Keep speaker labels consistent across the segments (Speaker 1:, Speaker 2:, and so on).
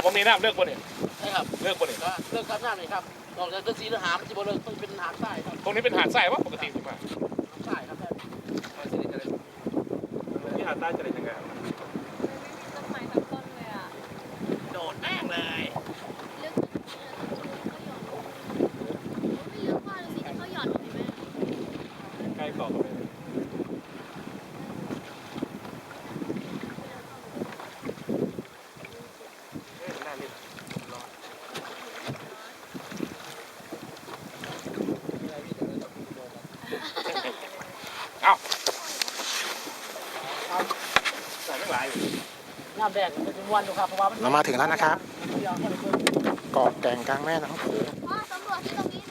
Speaker 1: ตรงนี้น้ำเลือกบนเนี่ย
Speaker 2: ใช่ครับ
Speaker 1: เลือกบนเนี่ย
Speaker 2: ก็เลือกครับหน้าหน่อยครับนอกจากเลือกสีหรือหามที่บนเลือกต้องเป็นหามใต้ครับ
Speaker 1: ตรงนี้เป็นหาดทรายวะปกติถูกไหม
Speaker 2: หามใต้ครับแม่
Speaker 1: ที่หาดใต้จะได้ยังไง
Speaker 3: ต้นไม้ทั้งต้นเลยอ่ะ
Speaker 2: โดดแม่งเลย
Speaker 3: ลึกไม่ลึกมากเลยสิที่เขาหย่อนลงไปแม่
Speaker 1: ใกล้เกาะตรงนี้เอ้าใส่ไม่หลายอยู่
Speaker 2: น้ำแดงมันเป็นวันดูครับเพราะว่ามัน
Speaker 4: เรามาถึงแล้วนะครับเกาะแก่งกลางแม่น้ำโขง
Speaker 3: พ่อสำรวจที่ตรงนี้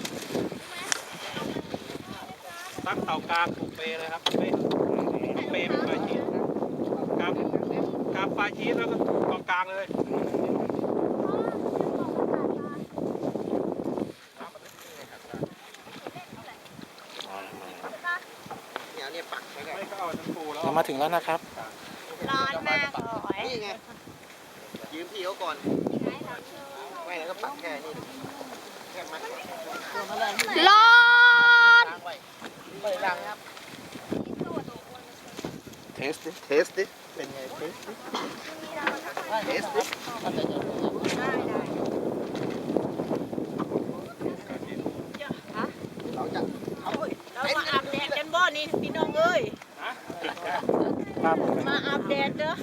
Speaker 3: ใช่ไหม
Speaker 1: ตั้งเตากลางปลูกเปเลยครับเปเป็นปลายชีสกลางปลายชีสแล้วก็เกาะกลางเลย ไม่ก็เอาทั้งปูแล้ว
Speaker 4: เรามาถึงแล้วนะครับ
Speaker 3: ร้อนมากเลย
Speaker 5: นี่ไง ยืมพี่เขาก่อน ไม่แล้วก็ปักแค่นี้แค่มัด
Speaker 3: ร้อน
Speaker 2: ล้างไว้ไม่ได้ล้างครับ
Speaker 5: เทสดิ เทสดิ เป็นไง เทสดิ เทสดิ เราจะ
Speaker 6: เรามาอาบแดดกันบ่นี่พี่น้องเอ้ย มาอาบแดดเด้อ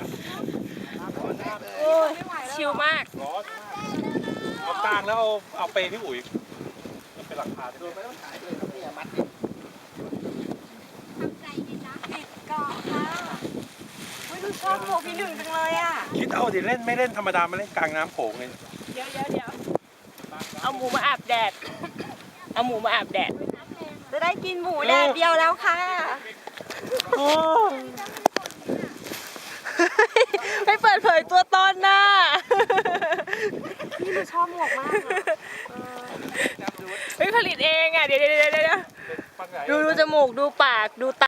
Speaker 6: โอ้ยชิลมาก
Speaker 1: ร้อนเอากลางแล้วเอาเปพี่อุ๋ยมันเป็นหลังคาที่
Speaker 5: โดนไปต้องขายเลยครับเนี่ยมัด
Speaker 3: ติดเกาะค่ะ
Speaker 6: ไม่รู้ชอบโมพี่หนึ่งจังเลยอ่ะ
Speaker 1: คิดเอาดิเล่นไม่เล่นธรรมดามาเล่นกลางน้ำโขงเลย
Speaker 6: เดี๋ยวเอาหมูมาอาบแดด เอาหมูมาอาบแดด จะได้กินหมูแดดเดียวแล้วค่ะไม่เปิดเผยตัวตนน่ะพี่มันชอบหมวกมากไม่ผลิตเองอ่ะ เดี๋ยวดูจมูกดูปากดูตา